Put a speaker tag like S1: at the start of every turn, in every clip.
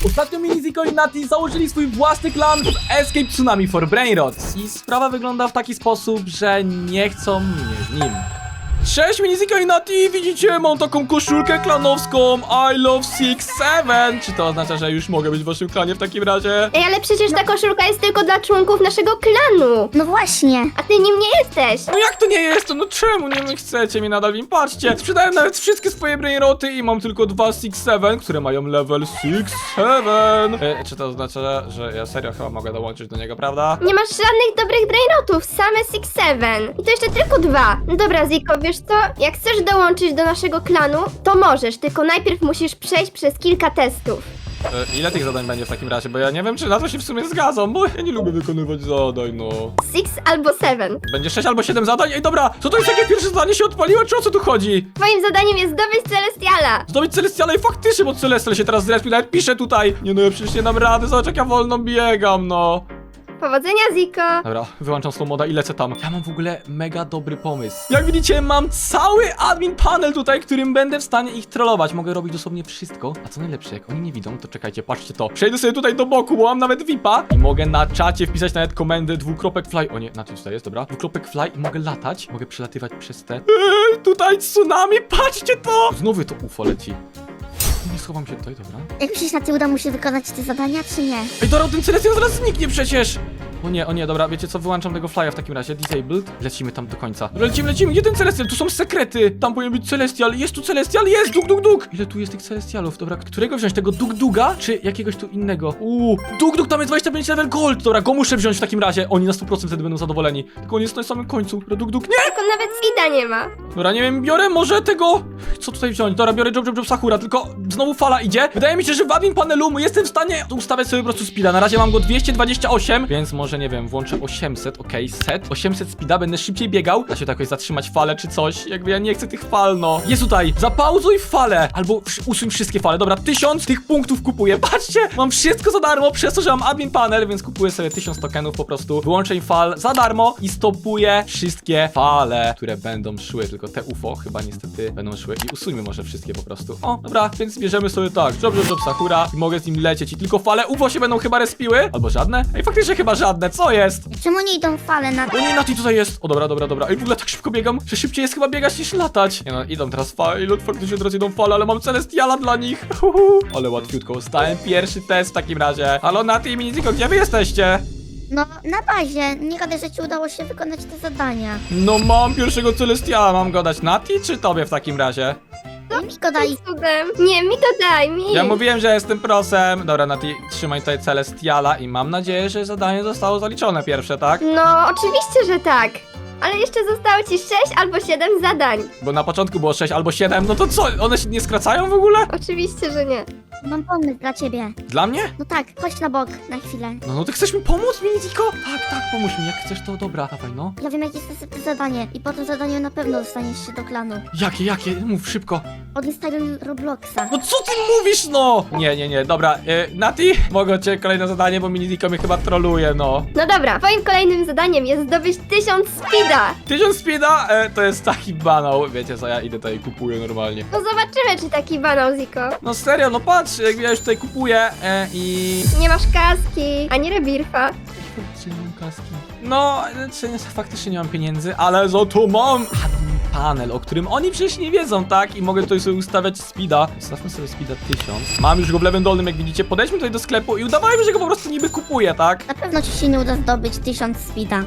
S1: Ostatnio Miniziko i Nati założyli swój własny klan w Escape Tsunami for Brainrots i sprawa wygląda w taki sposób, że nie chcą mnie z nim. Cześć Miniziko i Nati, widzicie, mam taką koszulkę klanowską I love 6-7. Czy to oznacza, że już mogę być w waszym klanie w takim razie?
S2: Ej, ale przecież ta koszulka jest tylko dla członków naszego klanu.
S3: No właśnie.
S2: A ty nim nie jesteś.
S1: No jak to nie jestem? No czemu nie chcecie mi nadal im? Patrzcie, sprzedałem nawet wszystkie swoje brainroty i mam tylko 2 6-7, które mają level 6-7. Czy to oznacza, że ja serio chyba mogę dołączyć do niego, prawda?
S2: Nie masz żadnych dobrych brainrotów, same 6-7. I to jeszcze tylko 2. No dobra, Ziko, wiesz co? Jak chcesz dołączyć do naszego klanu, to możesz, tylko najpierw musisz przejść przez kilka testów.
S1: Ile tych zadań będzie w takim razie? Bo ja nie wiem, czy na to się w sumie zgadzam, bo ja nie lubię wykonywać zadań, no.
S2: 6 albo 7.
S1: Będzie 6 albo 7 zadań? Ej, dobra, co to jest, jakie pierwsze zadanie się odpaliło, czy o co tu chodzi?
S2: Twoim zadaniem jest zdobyć Celestiala.
S1: Zdobyć Celestiala i faktycznie, bo Celestial się teraz zrespił, nawet pisze tutaj. Nie no, ja przecież nie dam rady, zobacz jak ja wolno biegam, no.
S2: Powodzenia, Ziko.
S1: Dobra, wyłączam slow moda i lecę tam. Ja mam w ogóle mega dobry pomysł. Jak widzicie, mam cały admin panel tutaj, którym będę w stanie ich trollować. Mogę robić dosłownie wszystko. A co najlepsze, jak oni nie widzą, to czekajcie, patrzcie to. Przejdę sobie tutaj do boku, bo mam nawet VIPa i mogę na czacie wpisać nawet komendę !fly. O nie, na tym tutaj jest, dobra. !fly i mogę latać. Mogę przelatywać przez te... tutaj tsunami, patrzcie to! Znowu to UFO leci. Nie schowam się tutaj, dobra.
S3: Jak myślisz, na ty uda mu się wykonać te zadania, czy nie?
S1: Ej, dobra, ten Celestial zaraz zniknie przecież! O nie, dobra, wiecie co, wyłączam tego flya w takim razie, disabled, lecimy tam do końca. Dobra, lecimy, gdzie ten Celestial? Tu są sekrety, tam powinien być Celestial, jest tu Celestial, jest, duk. Ile tu jest tych Celestialów, dobra, którego wziąć, tego Duga, czy jakiegoś tu innego? Duk, tam jest 25 level gold, dobra, go muszę wziąć w takim razie, oni na 100% wtedy będą zadowoleni, tylko on jest na samym końcu, dobra, Duk, nie!
S2: Tylko nawet Sida nie ma.
S1: Dobra, nie wiem, biorę może tego... Co tutaj wziąć? Dobra, biorę Job Sakura, tylko znowu fala idzie. Wydaje mi się, że w admin panelu jestem w stanie ustawiać sobie po prostu speeda. Na razie mam go 228, więc może, nie wiem, włączę 800, okej, set. 800 speeda, będę szybciej biegał. Da się to jakoś zatrzymać falę czy coś. Jakby ja nie chcę tych fal, no. Jest tutaj, zapauzuj falę, albo usuń wszystkie fale. Dobra, 1000 tych punktów kupuję. Patrzcie, mam wszystko za darmo, przez to, że mam admin panel, więc kupuję sobie 1000 tokenów po prostu. Wyłączę im fal za darmo i stopuję wszystkie fale, które będą szły. Tylko te UFO chyba niestety będą szły i usuńmy może wszystkie po prostu. O, dobra, więc bierzemy sobie tak, Job Sakura i mogę z nim lecieć i tylko fale UFO się będą chyba respiły. Albo żadne? Ej, faktycznie chyba żadne, co jest?
S3: Czemu nie idą fale na...
S1: O nie, Nati tutaj jest! O dobra. Ej, w ogóle tak szybko biegam, że szybciej jest chyba biegać niż latać. Nie no, idą teraz fale, faktycznie teraz idą fale, ale mam Celestiala dla nich. Ale łatwiutko, ustałem pierwszy test w takim razie. Halo Nati i Miniziko, gdzie wy jesteście?
S3: No, na bazie. Nie gadaj, że ci udało się wykonać te zadania.
S1: No mam pierwszego Celestiala, mam go dać Nati czy tobie w takim razie?
S3: No mi go daj.
S2: Cudem. Nie, mi to daj, mi.
S1: Ja mówiłem, że jestem prosem. Dobra, Nati, trzymaj tutaj Celestiala i mam nadzieję, że zadanie zostało zaliczone pierwsze, tak?
S2: No, oczywiście, że tak. Ale jeszcze zostało ci 6 albo 7 zadań.
S1: Bo na początku było 6 albo 7, no to co? One się nie skracają w ogóle?
S2: Oczywiście, że nie.
S3: Mam pomysł dla ciebie.
S1: Dla mnie?
S3: No tak, chodź na bok na chwilę.
S1: No ty chcesz mi pomóc, Miniziko? Tak, pomóż mi, jak chcesz to dobra, dawaj no.
S3: Ja wiem, jakie jest następne zadanie i po tym zadaniu na pewno dostaniesz się do klanu.
S1: Jakie? Mów szybko.
S3: Odinstaluj Robloxa.
S1: No co ty mówisz, no? Nie, dobra, Nati, mogę cię kolejne zadanie, bo Miniziko mnie chyba troluje, no.
S2: No dobra, twoim kolejnym zadaniem jest zdobyć 1000 speeda.
S1: 1000 speeda, to jest taki banał, wiecie co, ja idę tutaj i kupuję normalnie.
S2: No zobaczymy, czy taki banał, Ziko.
S1: No serio, no patrz, jak ja już tutaj kupuję i...
S2: Nie masz kaski, ani rebirfa.
S1: Faktycznie nie mam kaski. No, faktycznie nie mam pieniędzy, ale za to mam admin panel, o którym oni przecież nie wiedzą, tak? I mogę tutaj sobie ustawiać speeda. Ustawmy sobie speeda 1000. Mam już go w lewym dolnym, jak widzicie. Podejdźmy tutaj do sklepu i udawajmy, że go po prostu niby kupuję, tak?
S3: Na pewno ci się nie uda zdobyć 1000 speeda.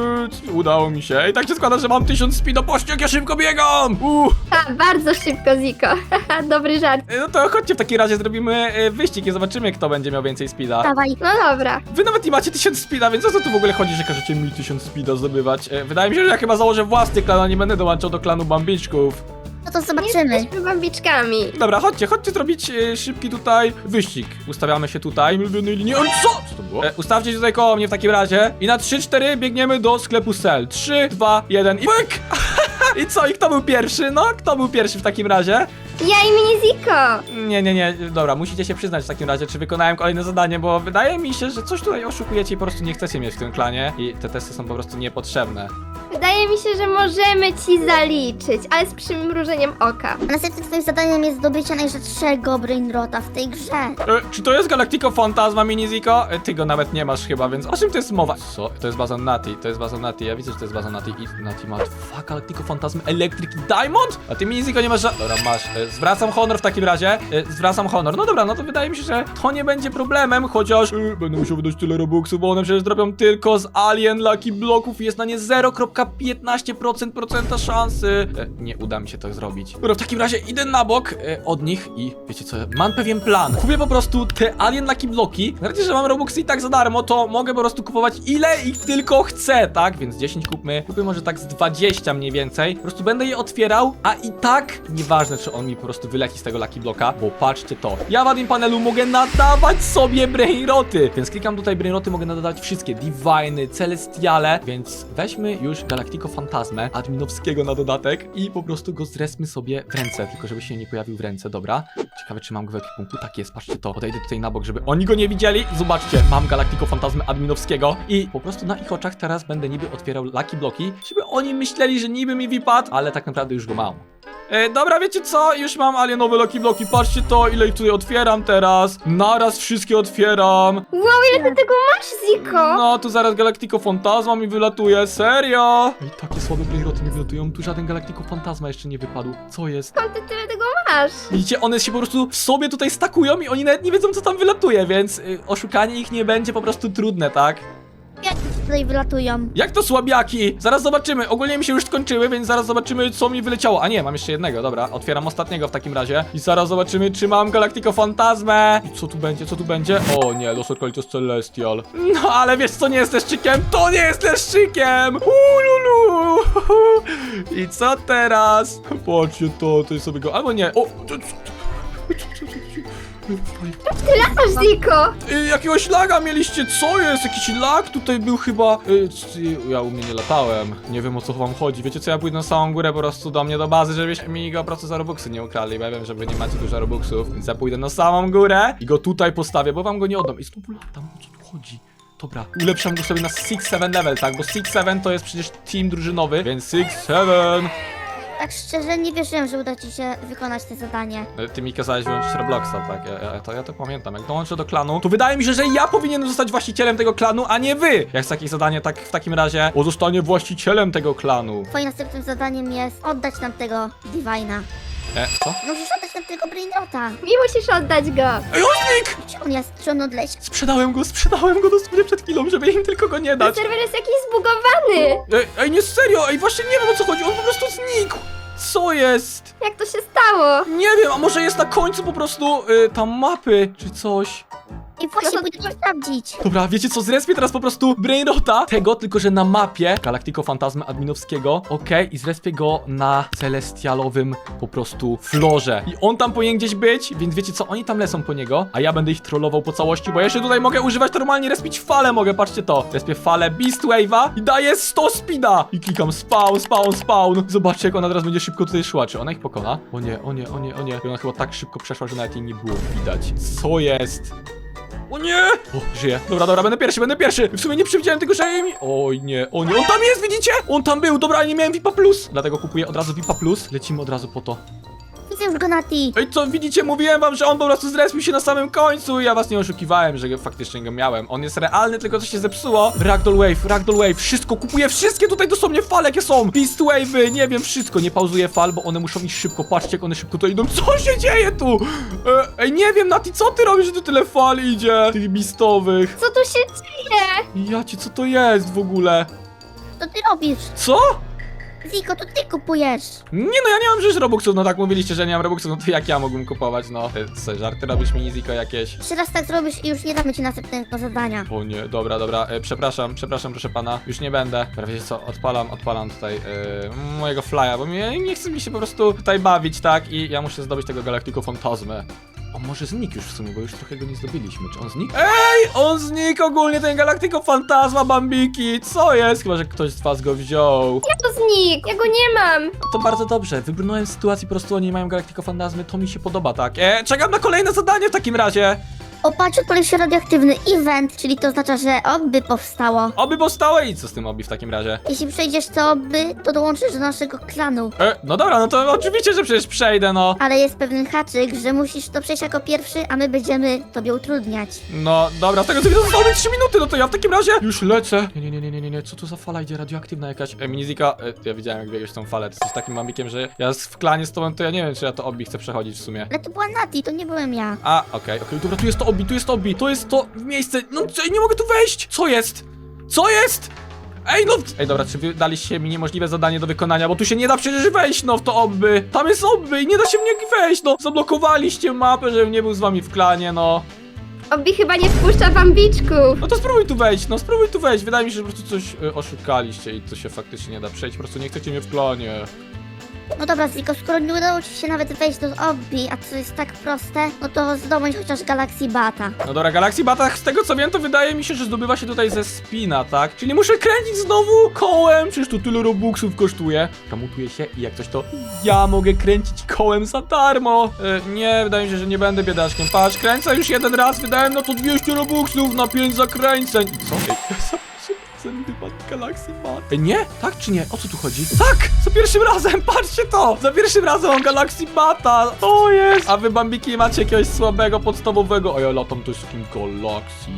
S1: Udało mi się. I tak się składa, że mam 1000 speeda. Patrzcie, jak ja szybko biegam!
S2: Ha, bardzo szybko, Ziko. Haha, dobry żart.
S1: No to chodźcie w takim razie, zrobimy wyścig i zobaczymy, kto będzie miał więcej speeda.
S3: Dawaj.
S2: No dobra.
S1: Wy nawet nie macie 1000 speeda, więc o co tu w ogóle chodzi, że każecie mi 1000 speeda zdobywać? Wydaje mi się, że ja chyba założę własny klan, a nie będę dołączał do klanu Bambiczków.
S3: No to
S2: Nie
S3: zobaczymy.
S2: jesteśmy bambiczkami.
S1: Dobra, chodźcie zrobić szybki tutaj wyścig. Ustawiamy się tutaj. Ulubionej linii. O, co to było? Ustawcie się tutaj koło mnie w takim razie. I na 3-4 biegniemy do sklepu Cell. 3, 2, 1 i pyk! I co? I kto był pierwszy? No, kto był pierwszy w takim razie?
S2: Ja i Miniziko.
S1: Nie. Dobra, musicie się przyznać w takim razie, czy wykonałem kolejne zadanie, bo wydaje mi się, że coś tutaj oszukujecie i po prostu nie chcecie mieć w tym klanie. I te testy są po prostu niepotrzebne.
S2: wydaje mi się, że możemy ci zaliczyć, ale z przymrużeniem oka.
S3: A następnym twoim zadaniem jest zdobycie najrzadszego brainrota w tej grze.
S1: Czy to jest Galactico Fantasma, Miniziko? Ty go nawet nie masz chyba, więc o czym to jest mowa? Co? To jest baza Nati, to jest baza Nati, ja widzę, że to jest baza Nati i Nati ma dwa Galactico Fantasmy Electric i Diamond? A ty, Miniziko, nie masz Dobra, masz. Zwracam honor w takim razie. Zwracam honor. No dobra, no to wydaje mi się, że to nie będzie problemem, chociaż będę musiał wydać tyle robuxów, bo one przecież dropią tylko z Alien Lucky Blocków i jest na nie 0,15% szansy. Nie uda mi się to zrobić. Dobra, w takim razie idę na bok od nich i wiecie co, mam pewien plan. Kupię po prostu te Alien Lucky Bloki. Na razie, że mam robuxy i tak za darmo, to mogę po prostu kupować ile ich tylko chcę, tak? Więc 10 kupmy. Kupię może tak z 20 mniej więcej. Po prostu będę je otwierał, a i tak nieważne, czy on mi po prostu wyleci z tego Lucky Bloka, bo patrzcie to. Ja w Admin Panelu mogę nadawać sobie brainroty, więc klikam tutaj brainroty, mogę nadawać wszystkie Diviny, Celestiale, więc weźmy już Galactico Fantasmę adminowskiego na dodatek i po prostu go zrespmy sobie w ręce, tylko żeby się nie pojawił w ręce, dobra? Ciekawe, czy mam go w ekwipunku. Tak jest, patrzcie to. Podejdę tutaj na bok, żeby oni go nie widzieli. Zobaczcie, mam Galactico Fantasmę adminowskiego i po prostu na ich oczach teraz będę niby otwierał Lucky Bloki, żeby oni myśleli, że niby mi wypadł, ale tak naprawdę już go mam. Dobra, wiecie co? Już mam alienowe Lucky Bloki. Patrzcie to, ile ich tutaj otwieram teraz. Naraz wszystkie otwieram.
S2: Wow, ile ty tego masz, Ziko?
S1: No, tu zaraz Galactico Fantasma mi wylatuje. Serio? I takie słabe brainroty mi wylatują. Tu żaden Galactico Fantasma jeszcze nie wypadł. Co jest?
S2: Skąd ty tyle tego masz?
S1: Widzicie, one się po prostu w sobie tutaj stakują i oni nawet nie wiedzą, co tam wylatuje, więc oszukanie ich nie będzie po prostu trudne, tak?
S3: Jak tutaj wylatują?
S1: Jak to słabiaki? Zaraz zobaczymy. Ogólnie mi się już skończyły, więc zaraz zobaczymy, co mi wyleciało. A nie, mam jeszcze jednego, dobra. Otwieram ostatniego w takim razie. I zaraz zobaczymy, czy mam Galactico Fantasmę. I co tu będzie, co tu będzie? O nie, Los Orcolitos Celestial. No, ale wiesz, co nie jest leszczykiem? To nie jest leszczykiem! Ululu! I co teraz? Patrzcie to jest sobie go... Albo nie. O!
S2: Ty latasz, Ziko!
S1: Jakiegoś laga mieliście, co jest? Jakiś lag tutaj był chyba. Ja u mnie nie latałem. Nie wiem, o co wam chodzi. Wiecie co, ja pójdę na samą górę po prostu do mnie do bazy, żebyście mi go po prostu za robuxy nie ukradli, bo ja wiem, że wy nie macie dużo robuxów, więc ja pójdę na samą górę i go tutaj postawię, bo wam go nie oddam. I znowu latam, o co tu chodzi? Dobra, ulepszam go sobie na 6-7 level, tak? Bo 6-7 to jest przecież team drużynowy, więc 6-7.
S3: Tak szczerze nie wierzyłem, że uda ci się wykonać to zadanie.
S1: Ty mi kazałeś wyłączyć Robloxa, tak? Ja to pamiętam. Jak dołączę do klanu, to wydaje mi się, że ja powinienem zostać właścicielem tego klanu, a nie wy! Jak jest takie zadanie, tak w takim razie pozostanie właścicielem tego klanu.
S3: Twoim następnym zadaniem jest oddać nam tego Divina.
S1: Co?
S3: Musisz oddać nam tego brainrota.
S2: I musisz oddać go.
S1: Ej, Oznik!
S3: Gdzie on jest? Czy on odleci?
S1: Sprzedałem go dosłownie przed chwilą, żeby im tylko go nie
S2: Ten
S1: dać.
S2: serwer jest jakiś zbugowany.
S1: Ej, nie serio, ej, właśnie nie wiem, o co chodzi, on po prostu znikł! Co jest?
S2: Jak to się stało?
S1: Nie wiem, a może jest na końcu po prostu tam mapy, czy coś.
S3: I właśnie
S2: No to-
S3: pójdę to sprawdzić.
S1: Dobra, wiecie co, zrespię teraz po prostu brainrota tego, tylko że na mapie Galactico Fantasmy adminowskiego, okej, i zrespię go na celestialowym po prostu florze. I on tam powinien gdzieś być, więc wiecie co, oni tam lecą po niego, a ja będę ich trollował po całości, bo ja jeszcze tutaj mogę używać normalnie, respić falę mogę, patrzcie to. Respię falę Beast Wave'a i daję 100 speeda. I klikam spawn. Zobaczcie, jak ona teraz będzie szybko tutaj szła. Czy ona ich pokona? O nie. I ona chyba tak szybko przeszła, że nawet jej nie było widać. Co jest? O nie! O, żyję. Dobra, będę pierwszy. W sumie nie przewidziałem tego, że mi... Oj nie. On tam jest, widzicie? On tam był. Dobra, ale nie miałem VIPa+. Dlatego kupuję od razu VIPa+. Lecimy od razu po to.
S3: Widzę już go na ti.
S1: Ej, co, widzicie? Mówiłem wam, że on po prostu zrespił się na samym końcu. Ja was nie oszukiwałem, że faktycznie go miałem. On jest realny, tylko coś się zepsuło. Ragdoll Wave. Wszystko. Kupuję wszystkie tutaj dosłownie fale, jakie są. Beast Wave'y, nie wiem, wszystko. Nie pauzuję fal, bo one muszą iść szybko. Patrzcie, jak one szybko to idą. Co się dzieje tu? Ej, nie wiem, Nati, co ty robisz, że tu tyle fal idzie? Tych beastowych.
S2: Co tu się dzieje?
S1: Jacie, co to jest w ogóle?
S3: To ty robisz.
S1: Co?
S3: Ziko, to ty kupujesz.
S1: Nie no, ja nie mam przecież robuxów, no tak mówiliście, że nie mam robuxów, no to jak ja mógłbym kupować, no? Co, żarty robisz mi, Ziko, jakieś?
S3: Jeszcze raz tak zrobisz i już nie damy ci następnego zadania.
S1: O nie, dobra, przepraszam, proszę pana, już nie będę. Dobra, wiecie co, odpalam tutaj mojego flya, bo nie chce mi się po prostu tutaj bawić, tak? I ja muszę zdobyć tego Galactico Fantasmę. On może znikł już w sumie, bo już trochę go nie zdobyliśmy. Czy on znikł? Ej, on znikł ogólnie, ten Galactico Fantasma, Bambiki. Co jest? Chyba, że ktoś z was go wziął.
S2: Jak to znikł? Ja go nie mam.
S1: To bardzo dobrze, wybrnąłem z sytuacji, po prostu oni mają Galactico Fantasmy, to mi się podoba, tak? Czekam na kolejne zadanie w takim razie.
S3: O, patrz, odpalił się radioaktywny event, czyli to oznacza, że oby powstało.
S1: Oby powstało i co z tym obi w takim razie?
S3: Jeśli przejdziesz to oby, to dołączysz do naszego klanu.
S1: No dobra, no to oczywiście, że przecież przejdę, no.
S3: Ale jest pewien haczyk, że musisz to przejść jako pierwszy, a my będziemy tobie utrudniać.
S1: No dobra, z tego co widzę zostały mi 3 minuty, no to ja w takim razie już lecę. Nie, co to za fala idzie radioaktywna jakaś? Minizika, ja widziałem jak biegłeś tą falę, ty jesteś takim mambikiem, że ja w klanie z tobą, to ja nie wiem, czy ja to obi chcę przechodzić w sumie.
S3: Ale to była Nati, to nie byłem ja.
S1: A, okej, dobra, tu jest to obi, to jest to miejsce, no nie mogę tu wejść! Co jest? Co jest? Ej, no! Ej, dobra, czy wy daliście mi niemożliwe zadanie do wykonania, bo tu się nie da przecież wejść, no, w to obby. Tam jest obby i nie da się w nie wejść, no. Zablokowaliście mapę, żebym nie był z wami w klanie, no.
S2: Obi chyba nie wpuszcza bambiczków.
S1: No to spróbuj tu wejść, no spróbuj tu wejść. Wydaje mi się, że po prostu coś oszukaliście i to się faktycznie nie da przejść, po prostu nie chcecie mnie w klanie.
S3: No dobra, Ziko, skoro nie udało ci się nawet wejść do obbi, a to jest tak proste, no to zdobądź chociaż Galaxy Bata.
S1: No dobra, Galaxy Batach, z tego co wiem, to wydaje mi się, że zdobywa się tutaj ze spina, tak? Czyli muszę kręcić znowu kołem, przecież to tyle robuxów kosztuje. Kamutuję się i jak coś to ja mogę kręcić kołem za darmo. Nie, wydaje mi się, że nie będę biedaszkiem. Patrz, kręcę już jeden raz, wydałem na to 200 robuxów na 5 zakręceń. Co? Ej, Galaxy Bat. Ej, nie? Tak czy nie? O co tu chodzi? Tak! Za pierwszym razem, patrzcie to! Za pierwszym razem mam Galaxy Bata! To jest! A wy, bambiki, macie jakiegoś słabego, podstawowego? A ja latam też z takim Galaxy.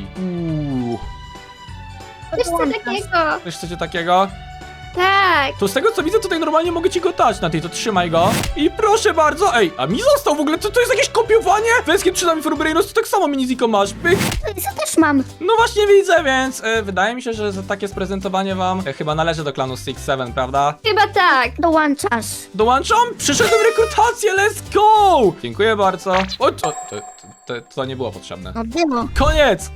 S2: Wiesz co takiego?
S1: Wiesz chcecie takiego?
S2: Tak.
S1: To z tego co widzę, tutaj normalnie mogę ci go dać na tej, to trzymaj go. I proszę bardzo, ej, a mi został w ogóle, to jest jakieś kopiowanie? Węskie przynajmniej Forbrainos, to tak samo Miniziko masz, pyk.
S3: Ja też mam.
S1: No właśnie widzę, więc wydaje mi się, że za takie sprezentowanie wam chyba należy do klanu 6-7, prawda?
S2: Chyba tak.
S3: Dołączasz.
S1: Dołączam? Przyszedłem rekrutację, let's go! Dziękuję bardzo. O, to nie było potrzebne.
S3: No było.
S1: Koniec!